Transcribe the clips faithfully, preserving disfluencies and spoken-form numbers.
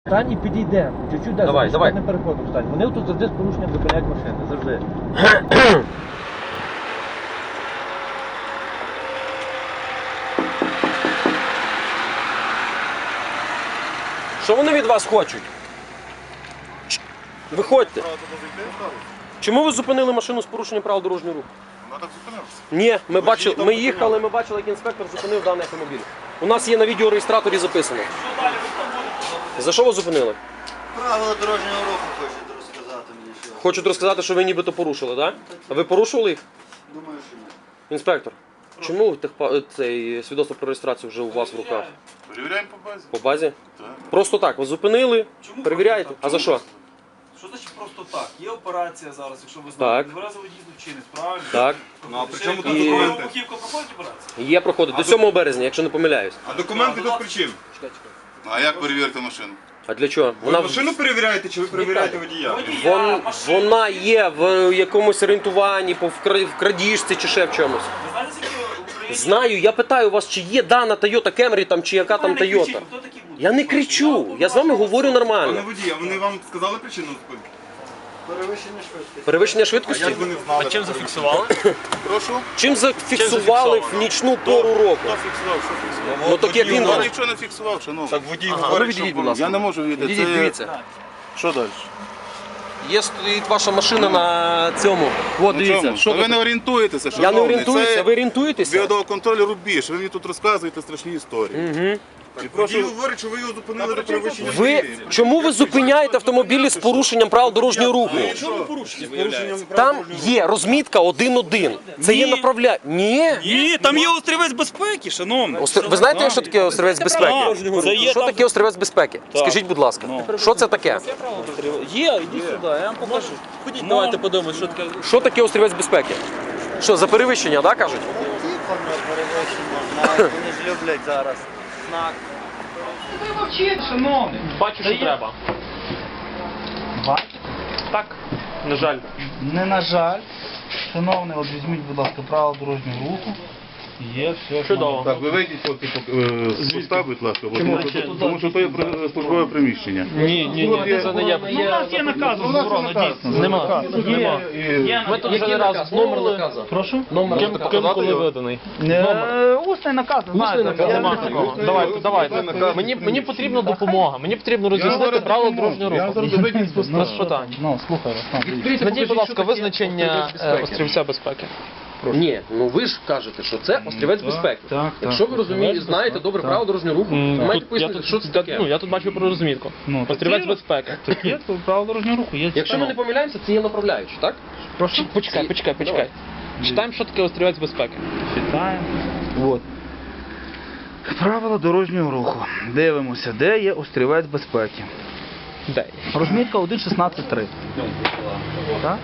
Стань і підійдемо. Чуть-чуть далі. Давай, давай. Не переходимо стань. Вони тут завжди з порушенням зупиняють машини. Завжди. Що вони від вас хочуть? Виходьте. Чому ви зупинили машину з порушенням правил дорожнього руху? Вона так зупинилася. Ні, ми бачили, ми їхали, ми бачили, як інспектор зупинив даний автомобіль. У нас є на відеореєстраторі записано. За що ви зупинили? Правила дорожнього руху хочуть розказати мені, що. Хочуть розказати, що ви нібито порушили, так? А ви порушували їх? Думаю, що ні. Інспектор, чому техпа- цей свідоцтво про реєстрацію вже у вас в руках? Перевіряємо по базі. По базі? Так. Просто так, ви зупинили, Чому перевіряєте. просто А так? за що? Що значить просто так? Є операція зараз, якщо ви знаєте. Так. Невразовий дій злочинець, правильно? Так. Ну, а при чому Ще тут І- документи? Вибухівка проходить операцію? Є проходить до сьомого березня, якщо не помиляюсь. А документи тут при чим? А як перевірити машину? А для чого? Ви Вона, машину перевіряєте чи ви перевіряєте водія? Водія, вон, машина. вона є в якомусь орієнтуванні, по вкра- в крадіжці чи ще в чомусь. Ви знаєте, скільки в Україні... Знаю, я питаю вас, чи є дана Toyota Camry там, чи яка там Ви не кричіть, Toyota. хто такі будуть? Я не кричу, я з вами говорю Пане нормально. водія, вони вам сказали причину зупинки? Перевищення швидкості. Перевищення швидкості? Як вони знали? А чим зафіксували? Прошу? Чим зафіксували в нічну пору року? Хто фіксував? Що фіксував? Ну так як він Ніхто вам. нічого не фіксував, шановний. Так водій А ну говорить, відійдіть, що будь ласка. Я не можу відійти. Відійдіть, Це- дивіться. Що далі? Є стоїть ваша машина на цьому. От Ну, дивіться, чому? що Та ви таке? не орієнтуєтеся, Я шановний. не орієнтуюся, Це ви орієнтуєтеся? Біодоконтроль рубіж. Ви мені тут розказуєте страшні історії. Угу. І Водій прошу, говорить, що ви його зупинили до перевищення Ви швидкості. чому ви зупиняєте автомобілі з порушенням правил дорожнього руху? Що ви порушення виявляється? Там є розмітка один-один. Це є направля. Ні. Ні, там є острівець безпеки, шановний. Остр- Ви знаєте, що таке острівець безпеки? Це є Що там- таке острівець безпеки? Скажіть, будь ласка, що це таке? Є, іди сюди, я вам покажу. Ходіть, давайте подивимось, що таке. Що таке острівець безпеки? Що, за перевищення, так, кажуть? Тихо, перевищення, знають, вони ж люблять зараз. Знак. Бачу, що треба. Так, на жаль. Не на жаль. Шановний, от візьміть, будь ласка, правила дорожнього руху. Є, все. Чудово. Так, ви вийдіть поки з поста, будь ласка, бо тому, що- тому що то є при- службове приміщення. Ні, ні, Тут є- це не є. Ну, у нас є наказ, У нас заборона, є наказ. дійсно. Нема. Нема. І- Ми тут вже не раз Номер наказу. Прошу? Номер Ким, наказу. ким коли виданий? Е, Усний наказ, знаєте. наказ, я- нема такого. Давайте, давайте. Мені, мені потрібна допомога. Мені потрібно роз'яснити зараз правила допоможу. дорожнього Я руху. зараз вийдіть з поста. Без питань. Ну, слухай вас. там, дивіться. Надій, будь ласка, визначення е, острівця безпеки. Ні, ну ви ж кажете, що це острівець безпеки. так, Якщо ви так, розумієте, острівець знаєте безпеки, добре так. правила дорожнього руху, М, ви маєте тут- я пояснити, тут- що це я- таке. Ну, я тут бачу про розмітку. Ну, Острівець так безпеки. Так є, то правила дорожнього руху, є. Якщо ми не помиляємося, це є направляючі, так? Прошу? Почекай, почекай, почекай. Читаємо, що таке острівець безпеки. Читаємо. От. Правила дорожнього руху. Дивимося, де є острівець безпеки. Де? Розмітка один шістнадцять три. Так?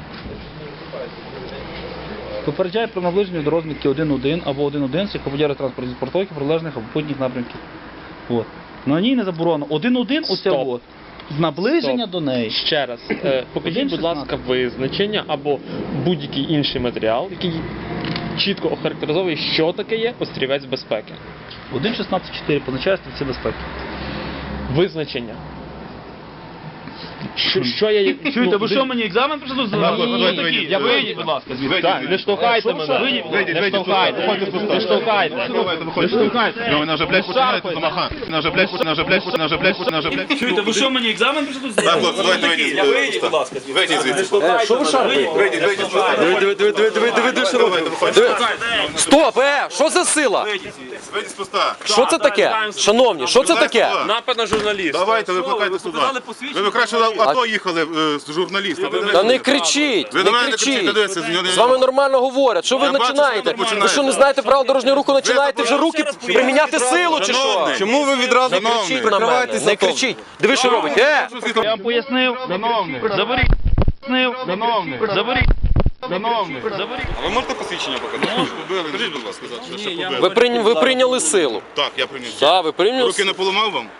Попереджає про наближення до розмітки один один або один один, яка поділяє транспортні спортовки прилежних або путніх напрямків. От. На ній не заборонено. один один оце Стоп. от. Наближення Стоп. до неї. Ще раз, е, покажіть, будь ласка, визначення або будь-який інший матеріал, який чітко охарактеризовує, що таке є острівець безпеки. один шістнадцять чотири позначає стрільці безпеки. Визначення. Що, що я... Чуєте, ну, ви що мені екзамен прийшли Ні, здавати? давайте, вийдіть. Я вийдіть, будь ласка, звідси. Вийдіть, Так, не вийдіть. штовхайте мене. Вийдіть, Вийдіть, Не вийдіть, штовхайте. виходьте з поста. Не штовхайте. Давайте, виходьте. Не штовхайте. Ну, вона вже, блядь, починаєте замахати. Вона вже, блядь, вона вже, блядь, вона вже, блядь, вона вже, блядь. Чуєте, ви що мені екзамен прийшли Так, здавати? хлопці, давайте вийдіть. Я вийдіть, будь ласка. Вийдіть звідси. Е, що ви шарпаєте? Вийдіть, вийдіть. Диви, диви, диви, диви, диви, диви, диви, що робите. Давайте, виходьте. Стоп, е, що за сила? Вийдіть з поста. Що це таке? Шановні, що це таке? Напад на журналіста. Давайте, викликайте сюди. Ви б краще в АТО їхали е, з журналістом. Та не кричіть, Ви не на мене не кричіть, кричіть. дивіться, з нього- З вами нормально говорять. Що ви Я бачу, починаєте? що ви Ви що не починаєте. знаєте правил дорожнього руху, починаєте вже руки приміняти силу чи що? Шановний. Чому ви відразу не Шановний. кричіть на мене? Не кричіть. Диви, що робить. Е! Я вам пояснив. Шановний. Заберіть. Пояснив. Шановний. Заберіть. Шановний. Заберіть. А ви можете посвідчення показати? Скажіть, будь ласка, що ще побили. Ви прийняли, ви прийняли силу. Так, я прийняв. Так, ви прийняли Руки не силу. поламав вам?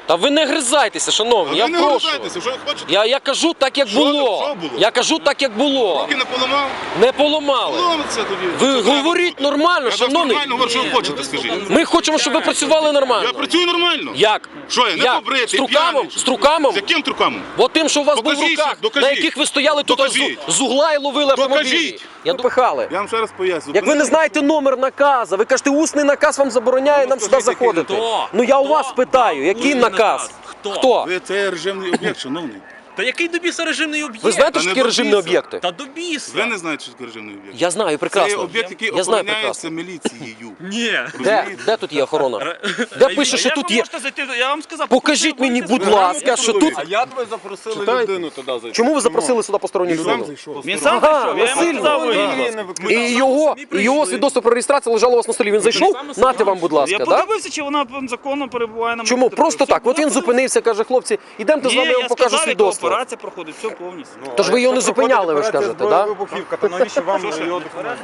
Та ви не гризайтеся, шановні, я Ви не прошу. гризайтеся, що ви хочете? Я, я кажу так, як Що- було. що було? Я кажу так, як було. Руки не поламав? Не поламали. Поламаться тоді. Ви Що говоріть треба? нормально, Я так шановний. нормально говорю, що ви хочете, скажіть. Ми хочемо, щоб ви працювали нормально. Я працюю нормально. Як? Що я, не Як? побритий, З трукамом? п'яний? З трукамом? З яким трукамом? Бо тим, що у вас був в Докажіть, руках, докажіть. на яких ви стояли тут Докажіть. з, з угла і ловили автомобілі. Докажіть. Я допихали. Я вам ще раз поясню. Як ви не знаєте номер наказу, ви кажете, усний наказ вам забороняє нам сюди скажіть, який заходити. Хто? Ну я у вас Хто? питаю, який Усний наказ? наказ. Хто? Хто? Ви це режимний об'єкт, шановний. Та який до біса режимний об'єкт? Ви знаєте, Та що не такі режимні добійся. об'єкти? Та до біса. Ви не знаєте, що таке режимний об'єкт. Я знаю Це є прекрасно. об'єкт, який Я знаю охороняється прекрасно. міліцією. Ні. Де? Розумієте? Де тут є охорона? Де пише, що тут є? Я вам сказав, Покажіть мені, будь ласка, що тут. як ви запросили Читайте. людину туди зайти? Чому ви запросили сюди посторонню Він сам людину? зайшов. Він сам Ага, прийшов, я йому насильно. сказав, Да. ви- І його, і його свідоцтво про реєстрацію лежало у вас на столі. Він зайшов? Нате вам, будь Я ласка, так? подивився, чи вона законно перебуває на Чому? моєму Просто території. так. От він Все, зупинився, каже, хлопці, ідемте з Ні, вами, я вам я покажу сказав, яка свідоцтво. операція проходить, все повністю. Тож ви його не зупиняли, ви ж кажете, так? Вибухівка, то навіщо вам його документи?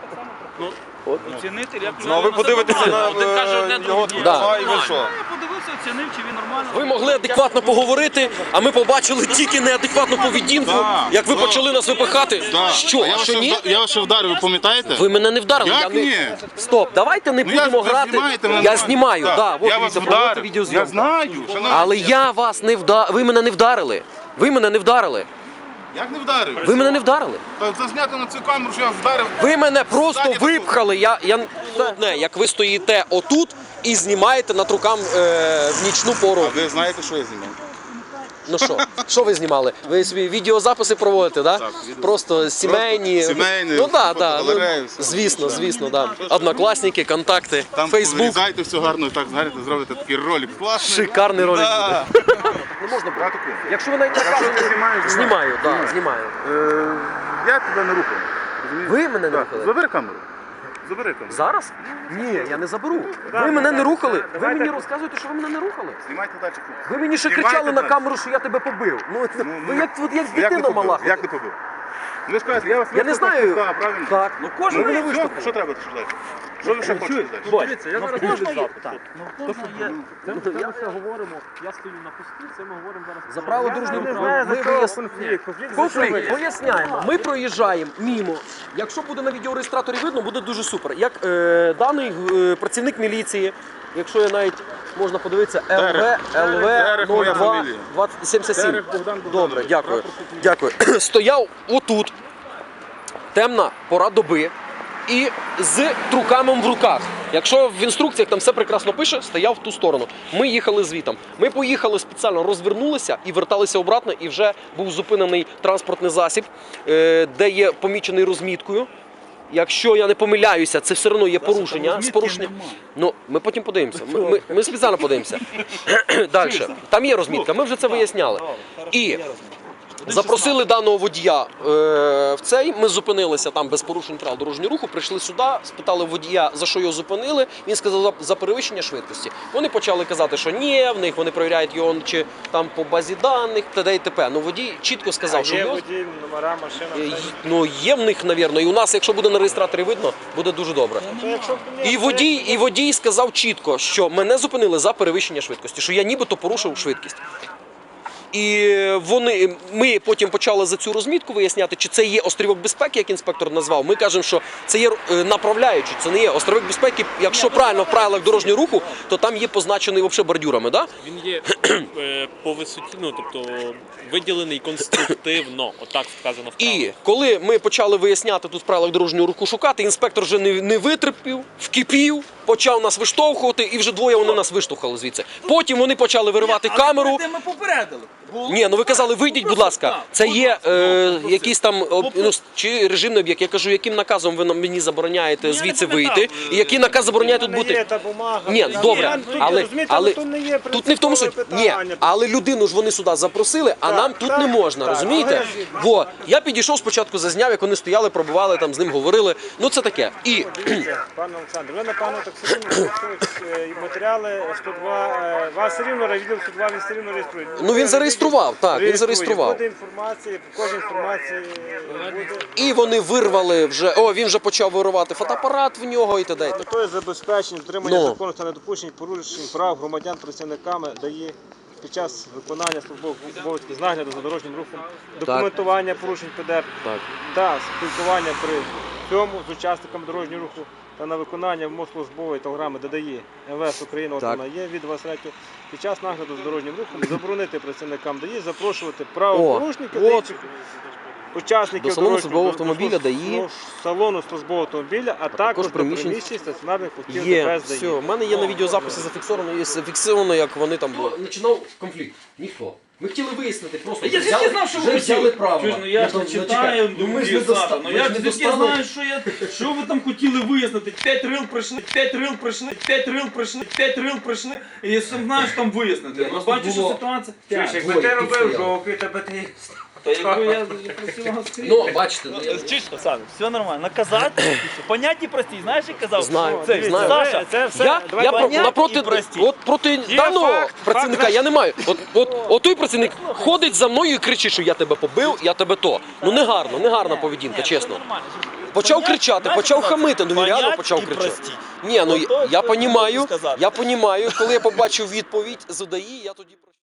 Оцінити, як Ну а ви подивитеся на Один каже одне, е, другий його ні. права і ви що? Я подивився, оцінив, чи він нормально. Ви могли адекватно поговорити, а ми побачили тільки неадекватну поведінку, Так, як ви так. почали нас випихати. Так. Що, А я а вас що ще ні? вда- Я вас ще вдарив, ви пам'ятаєте? Ви мене не вдарили. Як я не... ні? Стоп, давайте не Ну, я- будемо ви грати. знімаєте мене Я нормально. знімаю, Так. так. От Я вас дивіться, проводите вдарив. відеозйомку. Я знаю, шановний. Але я вас не вдарив. Ви мене не вдарили. Ви мене не вдарили. Як не вдарив? Ви мене не вдарили. Та зазнято на цю камеру, що я вдарив. Ви мене просто Ззаді випхали. Я, я... Одне, як ви стоїте отут і знімаєте над рукам е, в нічну пору. А ви знаєте, що я знімав? Ну що, що ви знімали? Ви собі відеозаписи проводите, да? Так, відео. Просто сімейні. сімейні, Ну так, так. фотогалереї, Ну, все. звісно, звісно, да. Однокласники, контакти, Там Фейсбук. вирізайте все гарно, так знаєте, зробите такий ролик класний. Шикарний ролик Да. буде. Не можна брати. Якщо ви навіть наказуєте, знімаю, так, знімаю. Е, Я тебе не рухаю. розумієш? Ви мене не Так, рухали? Забери камеру. Забери камеру. Зараз? Ні, я не заберу. Ви мене не рухали. Ви мені розказуєте, що ви мене не рухали. Знімайте далі. Ви мені ще Знімайте кричали на далі. камеру, що я тебе побив. Ну, Ну, ви ну, як, от як Як не дитина побив? мала. Як не побив? Ну, ви ж кажете, я вас Я не виштовхнув знаю. з поста, правильно? Так. Ну, кожен ну, мене що- виштовхнув. Що треба ще далі? Що ви ще хочете далі? Дивіться, я зараз Можна роблю є? запит. Так, ну в кожного є. Це ми це ми все говоримо. Я стою на пості, це ми говоримо зараз. За право дружнього не руху. знаю, Ми за кого вияс- конфлікт. Конфлікт, поясняємо. Ми проїжджаємо мімо. Якщо буде на відеореєстраторі видно, буде дуже супер. Як е, даний е, працівник міліції, якщо я навіть можна подивитися, ЛВ ЛВ Дерех моя нуль два фамілія. двадцять сімдесят сім. Дерех Богдан Богданович. Добре, дякую. Дякую. Стояв отут. Темна пора доби. І з трукамом в руках. Якщо в інструкціях там все прекрасно пише, стояв в ту сторону. Ми їхали звітом. Ми поїхали спеціально, розвернулися і верталися обратно, і вже був зупинений транспортний засіб, е, де є помічений розміткою. Якщо я не помиляюся, це все одно є порушення. З порушенням. Ну, ми потім подивимося. Ми, ми, ми спеціально подивимося. Далі. Там є розмітка, ми вже це виясняли. І запросили даного водія е, в цей. Ми зупинилися там без порушень правил дорожнього руху. Прийшли сюди, спитали водія, за що його зупинили. Він сказав за, за перевищення швидкості. Вони почали казати, що ні, в них вони перевіряють його чи там по базі даних, т.д. і т.п. Ну водій чітко сказав, що його... номера, машина. Е, Ну, є в них, навірно, і у нас, якщо буде на реєстраторі видно, буде дуже добре. І водій, і водій сказав чітко, що мене зупинили за перевищення швидкості, що я нібито порушив швидкість. І вони, ми потім почали за цю розмітку виясняти, чи це є острівок безпеки, як інспектор назвав. Ми кажемо, що це є е, направляючий, це не є острівок безпеки. Якщо правильно в правилах дорожнього руху, то там є позначений взагалі бордюрами, да? Він є е, по висоті, ну тобто виділений конструктивно, отак сказано в правилах. І коли ми почали виясняти тут в правилах дорожнього руху шукати, інспектор вже не, не витерпів, вкипів, почав нас виштовхувати, і вже двоє вони нас виштовхали звідси. Потім вони почали виривати камеру. Ми попередили. Ні, ну ви казали, вийдіть, будь ласка. Це є е, якийсь там об- ну, чи режимний об'єкт. Я кажу, яким наказом ви нам- мені забороняєте звідси вийти, і який наказ забороняє тут бути. Ні, добре, але, але тут не в тому, що ні, але людину ж вони сюди запросили, а нам тут не можна, розумієте? Во, я підійшов спочатку, зазняв, як вони стояли, пробували там з ним, говорили. Ну це таке. І Пане Олександр, ви напевно так все рівно реєструють е, матеріали сто два. е, Вас все рівно відділ сто два, він все рівно реєструє. Ну він зареєстрував, так, він зареєстрував. Буде інформація, по кожній інформації буде. І вони вирвали вже. О, він вже почав вирувати фотоапарат в нього і т.д. З метою забезпечення дотримання Ну. закону та недопущення порушень прав громадян працівниками дає під час виконання службових обов'язків з нагляду за дорожнім рухом, документування порушень ПДР Так. та спілкування при цьому з учасниками дорожнього руху та на виконання вимог службової телеграми додає МВС України, от Так. вона є від двадцять третього, під час нагляду за дорожнім рухом заборонити працівникам ДАІ запрошувати правопорушників та от. інших учасників До салону дорожнього службового руху, автомобіля до ДАІ. салону службового автомобіля, а, також до приміщень. приміщень стаціонарних пунктів Є, ДПС ДАІ. все, в мене є на відеозаписі зафіксовано, є зафіксовано, як вони там були. Починав конфлікт. Ніхто. Ми хотіли вияснити, просто Я звідки знав, що ви вже взяли хотіли? право. Чуєш, ну я ж не читаю, ну ми ж думки, не доста- Саша, ну ми я ж ж не звідки достали. знаю, що я, що ви там хотіли вияснити. П'ять рил прийшли, п'ять рил прийшли, п'ять рил прийшли, п'ять рил прийшли, і я сам знаю, що там вияснити. Ну бачиш, що ситуація. Чуєш, якби ти робив жовтий, тебе ти... Та якби я просив вас скрізь. Ну, бачите, ну, я- Чуєш, Оксана, все нормально. Наказати, поняття прості, знаєш, як казав? Знаю, Це, знаю. Саша, Це все, Я, давай я про, понятні напроти, і прості. от проти даного факт, працівника факт, я не маю. От, от, от той працівник ходить за мною і кричить, що я тебе побив, я тебе то. Ну не гарно, не гарна поведінка, чесно. Почав кричати, почав хамити, ну він реально почав кричати. Ні, ну Ото, я що понімаю, можу сказати. я понімаю, коли я побачив відповідь з ОДАІ, я тоді